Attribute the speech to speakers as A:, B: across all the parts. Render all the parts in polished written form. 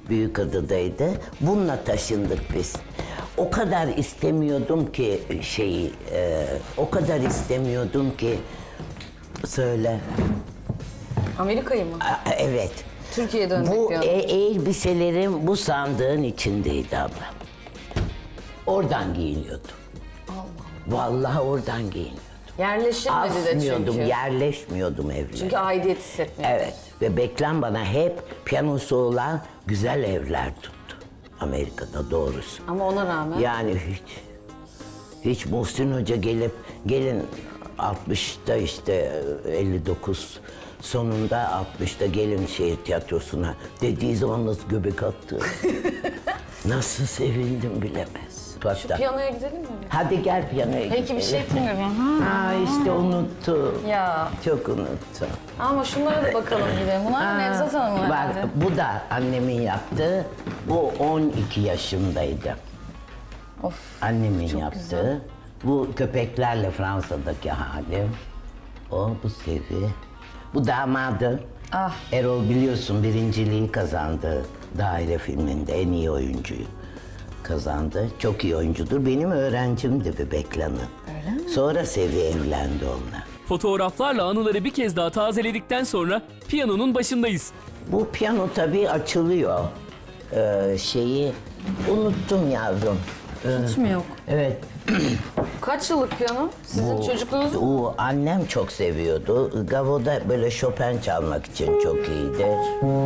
A: Büyükada'daydı. Bununla taşındık biz. O kadar istemiyordum ki o kadar istemiyordum ki söyle.
B: Amerika'yı mı?
A: Evet.
B: Türkiye'ye dönmek
A: Bu
B: diyordum.
A: elbiselerim bu sandığın içindeydi abla. Oradan giyiniyordum. Vallahi oradan giyiniyordum.
B: Yerleşilmedi de
A: Asmıyordum,
B: çünkü.
A: yerleşmiyordum evlere.
B: Çünkü aidiyet hissetmiyor.
A: Evet ve Beklen bana hep piyanosu olan güzel evler tuttu. Amerika'da doğrusu.
B: Ama ona rağmen.
A: Yani hiç Muhsin Hoca gelin 60'ta işte 59 sonunda 60'ta gelin şehir tiyatrosuna dediği zaman nasıl göbek attı. Nasıl sevindim bilemez.
B: Şu piyanoya gidelim mi?
A: Hadi gel piyanoya
B: Peki
A: gidelim.
B: bir şey yapmıyorum.
A: Ha işte unuttum.
B: Ya.
A: Çok unuttum.
B: Ama şunlara da bakalım gidelim. Bunlar Nevzat Hanım'ın
A: Bak
B: herhalde.
A: bu da annemin yaptığı. Bu 12 yaşındaydı.
B: Of.
A: Annemin
B: Çok
A: yaptığı.
B: güzel.
A: Bu köpeklerle Fransa'daki halim. O bu Sevi. Bu damadı.
B: Ah.
A: Erol biliyorsun birinciliği kazandı. Daire filminde en iyi oyuncuyu kazandı. Çok iyi oyuncudur. Benim öğrencimdi bir Beklan'ın.
B: Öyle mi?
A: Sonra Sevi evlendi onunla.
C: Fotoğraflarla anıları bir kez daha tazeledikten sonra piyanonun başındayız.
A: Bu piyano tabii açılıyor. Şeyi unuttum yavrum.
B: Hiç mi yok?
A: Evet.
B: Kaç yıllık piyano? Sizin çocukluğunuz mu?
A: Bu annem çok seviyordu. Gavo'da böyle Chopin çalmak için çok iyidir.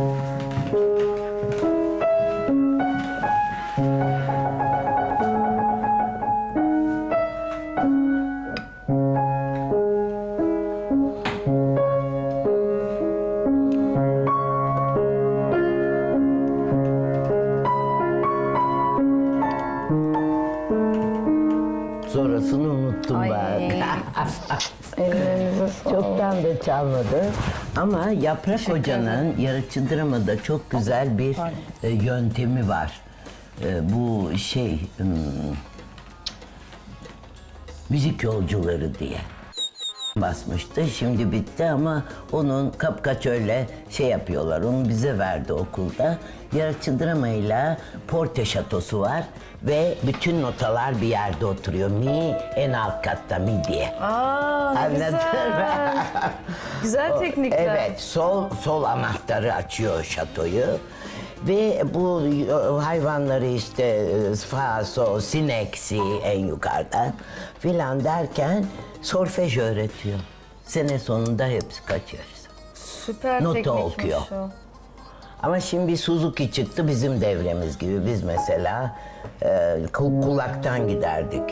A: Sonrasını unuttum
B: Ay.
A: bak. Çoktan da çalmadı. Ama Yaprak Hoca'nın Yaratıcı Drama'da çok güzel bir yöntemi var. Bu müzik yolcuları diye basmıştı. Şimdi bitti ama onun kapkaç öyle yapıyorlar. Onu bize verdi okulda. Yaratıcı Drama'yla Porte Şatosu var ve bütün notalar bir yerde oturuyor. Mi en alt katta mi diye.
B: Aa, ne
A: Anladın
B: güzel.
A: mı?
B: Güzel teknikler.
A: Evet, sol anahtarı açıyor şatoyu. Ve bu hayvanları işte fa, sol, sineksi en yukarıda filan derken solfej öğretiyor. Sene sonunda hepsi kaçıyoruz.
B: Süper
A: Nota
B: teknikmiş
A: okuyor.
B: o.
A: Ama şimdi bir Suzuki çıktı bizim devremiz gibi. Biz mesela kulaktan giderdik.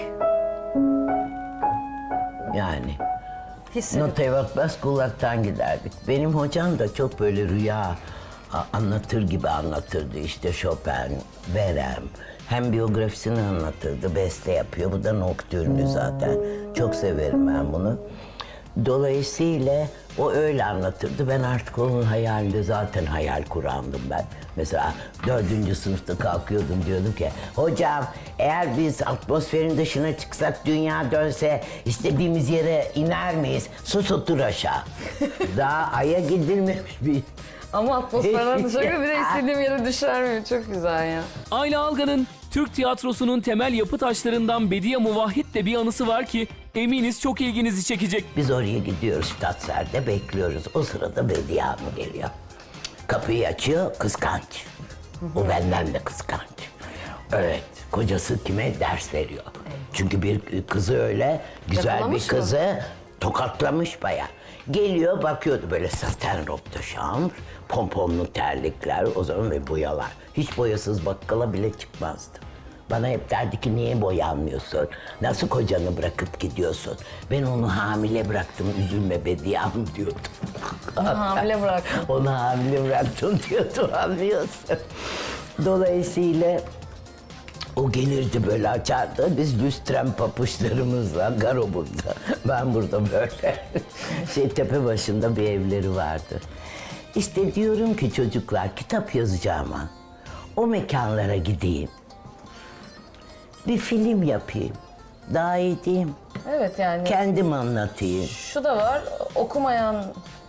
A: Yani.
B: Hissedip.
A: Notaya bakmaz kulaktan giderdik. Benim hocam da çok böyle rüya anlatır gibi anlatırdı. İşte Chopin, Verem. Hem biyografisini anlatırdı, beste yapıyor. Bu da noktürnü zaten. Çok severim ben bunu. Dolayısıyla o öyle anlatırdı. Ben artık onun hayalinde zaten hayal kurandım ben. Mesela 4. sınıfta kalkıyordum diyordum ki hocam eğer biz atmosferin dışına çıksak dünya dönse istediğimiz yere iner miyiz? Sus otur aşağı. Daha aya gidilmemiş bir...
B: Ama atmosferden dışarı bir de istediğim yere düşer miyim? Çok güzel ya.
C: Ayla Algan'ın Türk tiyatrosunun temel yapı taşlarından Bediye Muvahhid'le bir anısı var ki eminiz çok ilginizi çekecek.
A: Biz oraya gidiyoruz Stadtser'de bekliyoruz. O sırada Bediye Hanım geliyor. Kapıyı açıyor kıskanç. O benden de kıskanç. Evet kocası kime ders veriyor. Çünkü bir kızı öyle güzel
B: Yakalamış
A: bir
B: mı?
A: kızı tokatlamış baya. Geliyor bakıyordu böyle saten robe de chambre, pomponlu terlikler o zaman ve boyalar. Hiç boyasız bakkala bile çıkmazdı. Bana hep derdi ki niye boyanmıyorsun? Nasıl kocanı bırakıp gidiyorsun? Ben onu hamile bıraktım üzülme Bediye Hanım diyordu.
B: Hamile bıraktım.
A: Onu hamile bıraktım diyordu anlıyorsun. Dolayısıyla o gelirdi böyle açardı. Biz lüstren papuçlarımızla Garo burada. Ben burada böyle. Tepe başında bir evleri vardı. İşte diyorum ki çocuklar kitap yazacağıma o mekanlara gideyim. Bir film yapayım. Daha iyi diyeyim.
B: Evet yani.
A: Kendim anlatayım.
B: Şu da var, okumayan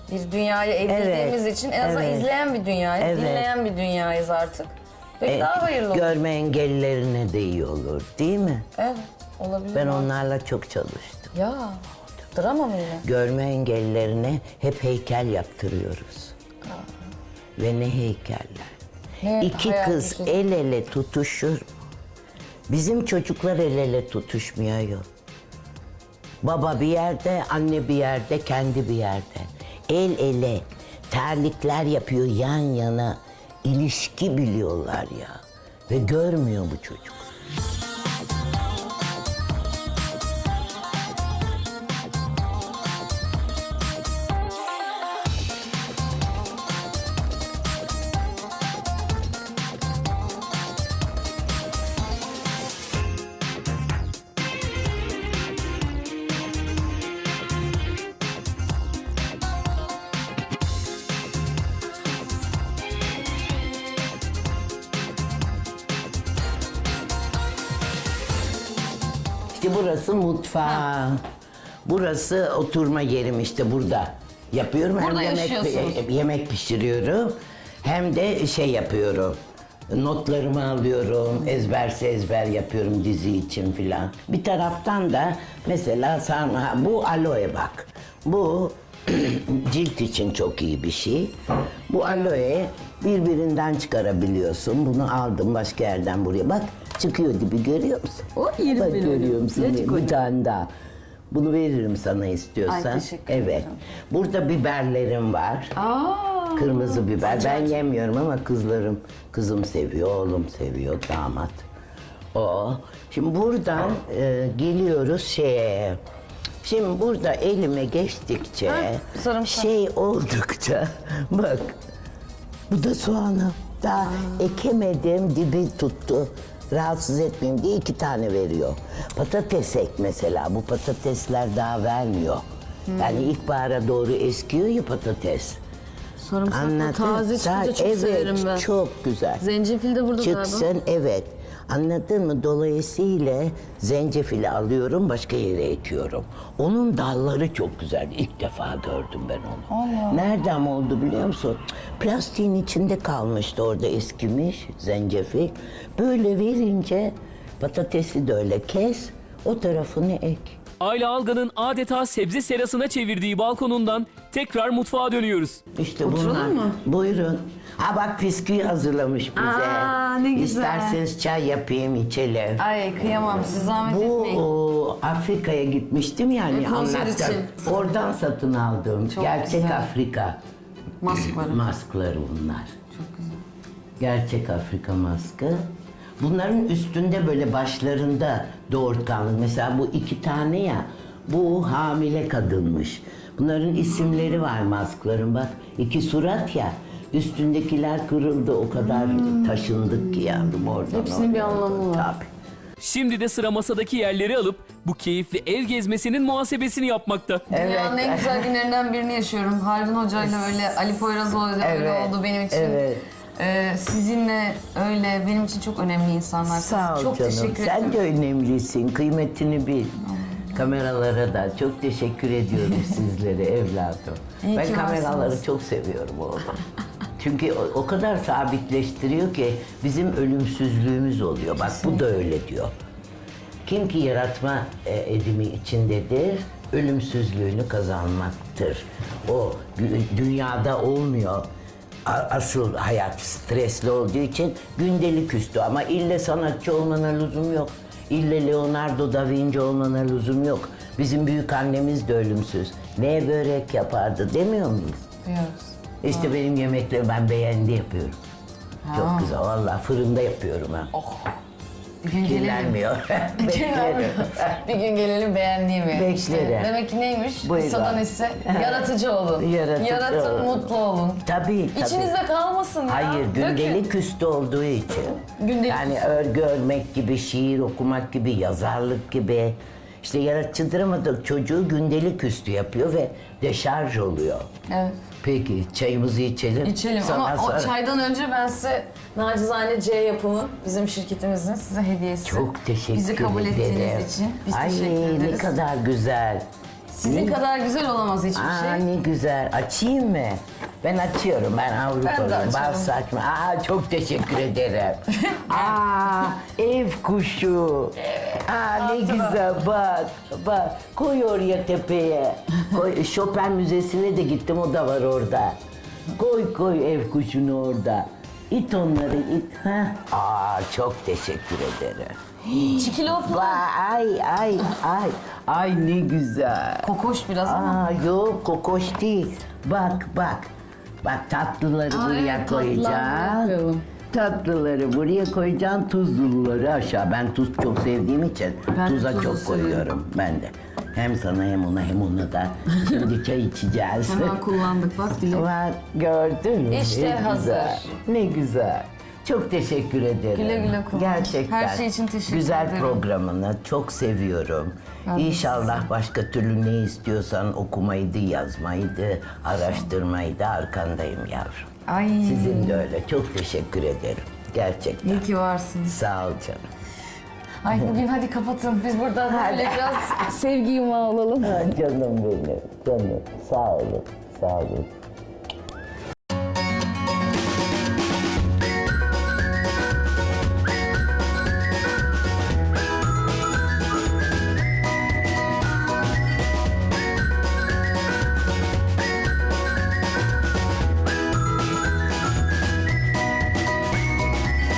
B: bir dünyaya evrildiğimiz için en azından
A: evet.
B: izleyen bir dünyayız,
A: Evet.
B: dinleyen bir dünyayız artık. Peki daha hayırlı olur.
A: Görme engellilerine de iyi olur değil mi?
B: Evet, olabilir.
A: Ben
B: mi?
A: onlarla çok çalıştım.
B: Ya, drama mı yine?
A: Görme engellilerine hep heykel yaptırıyoruz. Ve ne heykeller.
B: Ne
A: İki
B: hayal
A: kız
B: gücü.
A: el ele tutuşur. Bizim çocuklar el ele tutuşmuyor. Baba bir yerde, anne bir yerde, kendi bir yerde. El ele, terlikler yapıyor yan yana. İlişki biliyorlar ya. Ve görmüyor bu çocuk. İşte burası mutfağı. Burası oturma yerim işte burada. Yapıyorum
B: Burada
A: hem
B: yaşıyorsunuz.
A: yemek pişiriyorum hem de şey yapıyorum. Notlarımı alıyorum, ezberse ezber yapıyorum dizi için filan. Bir taraftan da mesela bu aloe bak. Bu cilt için çok iyi bir şey. Bu aloe birbirinden çıkarabiliyorsun. Bunu aldım başka yerden buraya. Bak çıkıyor dibi görüyor musun?
B: O yerim
A: Bak
B: benim.
A: görüyor musun?
B: Necik
A: Bir tane daha. Bunu veririm sana istiyorsan.
B: Ay, teşekkür
A: evet.
B: ederim.
A: Burada biberlerim var.
B: Aa,
A: Kırmızı biber. Ben yemiyorum ama kızım seviyor, oğlum seviyor, damat. O. Şimdi buradan geliyoruz şeye. Şimdi burada elime geçtikçe,
B: sarımsak.
A: şey oldukça, bak bu da soğanı. Daha ekemedim, dibi tuttu. Rahatsız etmeyeyim diye 2 tane veriyor. Patates ek mesela, bu patatesler daha vermiyor. Yani ilkbahara doğru eskiyor ya patates.
B: sarımsaklı taze çıkınca çok
A: evet,
B: severim ben.
A: çok güzel.
B: Zencefil de burada galiba.
A: Çıksın, evet. Anladın mı? Dolayısıyla zencefili alıyorum, başka yere ekiyorum. Onun dalları çok güzel. İlk defa gördüm ben onu. Nereden oldu biliyor musun? Plastiğin içinde kalmıştı orada eskimiş zencefil. Böyle verince patatesi de öyle kes, o tarafını ek.
C: Ayla Algan'ın adeta sebze serasına çevirdiği balkonundan tekrar mutfağa dönüyoruz.
A: İşte
B: Oturalım
A: bunlar.
B: mı?
A: Buyurun. Ha bak bisküvi hazırlamış bize.
B: Aa, ne güzel.
A: İsterseniz çay yapayım, içelim.
B: Ay kıyamam, siz zahmet
A: Bu
B: etmeyin.
A: Afrika'ya gitmiştim yani
B: konser
A: anlattım.
B: için.
A: Oradan satın aldım.
B: Çok
A: Gerçek
B: güzel.
A: Afrika
B: Maskları.
A: maskları bunlar.
B: Çok güzel.
A: Gerçek Afrika maskı. Bunların üstünde böyle başlarında doğurtkanlık. Mesela bu 2 tane ya. Bu hamile kadınmış. Bunların isimleri var maskların bak. 2 surat ya. Üstündekiler kırıldı o kadar taşındık ki yavrum oradan.
B: Hepsinin bir
A: oraya.
B: anlamı var.
A: Tabii.
C: Şimdi de sıra masadaki yerleri alıp bu keyifli ev gezmesinin muhasebesini yapmakta.
B: Dünyanın en güzel günlerinden birini yaşıyorum. Haldun Hoca'yla öyle, Ali Poyrazoğlu'yla öyle
A: Evet,
B: oldu benim için.
A: evet.
B: Sizinle öyle benim için çok önemli insanlar.
A: Sağ ol
B: çok
A: canım.
B: teşekkür
A: Sen
B: ederim.
A: de önemlisin. Kıymetini bil. Kameralara da çok teşekkür ediyorum sizlere evladım.
B: İyi
A: Ben
B: ki
A: kameraları
B: varsınız.
A: çok seviyorum oğlum. Çünkü o kadar sabitleştiriyor ki bizim ölümsüzlüğümüz oluyor. Bak bu da öyle diyor. Kim ki yaratma edimi içindedir, ölümsüzlüğünü kazanmaktır. O dünyada olmuyor. Asıl hayat stresli olduğu için gündelik üstü ama ille sanatçı olmana lüzum yok. İlle Leonardo da Vinci olmana lüzum yok. Bizim büyük annemiz de ölümsüz. Ne börek yapardı demiyor muyuz?
B: Diyoruz.
A: İşte benim yemekleri ben beğendi yapıyorum. Çok güzel vallahi fırında yapıyorum ha.
B: Bir gün gelelim.
A: Kirlenmiyor. Beklerim.
B: Bir gün gelelim beğendiğimi.
A: Beklerim.
B: İşte demek ki neymiş?
A: Buyurun.
B: Kısadan ise yaratıcı olun.
A: Yaratıcı
B: Yaratın,
A: olun.
B: mutlu olun.
A: Tabii, tabii.
B: İçinizde kalmasın ya.
A: Hayır, gündelik üstü olduğu için.
B: Gündelik
A: yani örgü örmek gibi, şiir okumak gibi, yazarlık gibi. İşte yaratıcıdır ama da çocuğu gündelik üstü yapıyor ve deşarj oluyor.
B: Evet.
A: Peki, çayımızı içelim.
B: İçelim
A: Sonra
B: ama o çaydan önce ben size nacizane C yapımın bizim şirketimizin size hediyesi.
A: Çok teşekkür
B: Bizi kabul
A: ederim.
B: ettiğiniz için biz
A: Ay
B: teşekkür
A: ne
B: ederiz.
A: kadar güzel.
B: Sizin kadar güzel olamaz hiçbir
A: Aa
B: şey.
A: ne güzel. Açayım mı? Ben açıyorum. Ben
B: Ben de
A: Avrupa'lıyım.
B: açarım.
A: Bal saçma. Aa çok teşekkür ederim. Aa ev kuşu. Aa ne güzel bak. Bak koy oraya tepeye. Koy, Chopin Müzesi'ne de gittim. O da var orada. Koy ev kuşunu orada. İt onları it. Heh. Aa çok teşekkür ederim.
B: Çikilop mu?
A: Ay ne güzel.
B: Kokoş biraz ama.
A: Aa yok kokoş değil. Bak. Bak tatlıları buraya
B: evet, tatlıları
A: koyacağım.
B: buraya koyalım.
A: Tatlıları buraya koyacağım, tuzluları aşağı. Ben tuz çok sevdiğim için
B: Ben de
A: tuza
B: tuzu
A: çok
B: seviyorum.
A: koyuyorum ben de. Hem sana hem ona da. Şimdi çay içeceğiz.
B: Hemen kullandık bak Dilek.
A: Bak gördün mü?
B: İşte
A: Ne
B: hazır.
A: güzel, ne güzel. Çok teşekkür ederim.
B: Güle güle kullan.
A: Gerçekten.
B: Her şey için teşekkür
A: Güzel
B: ederim.
A: programını çok seviyorum.
B: Ben de
A: İnşallah başka türlü ne istiyorsan okumaydı, yazmaydı, araştırmaydı arkandayım yavrum.
B: Ay.
A: Sizin de öyle. Çok teşekkür ederim. Gerçekten.
B: İyi ki varsınız.
A: Sağ ol canım.
B: Ay bugün hadi kapatın. Biz burada böyle biraz sevgi yumağı olalım.
A: Ha, canım benim, canım. Sağ olun, sağ olun.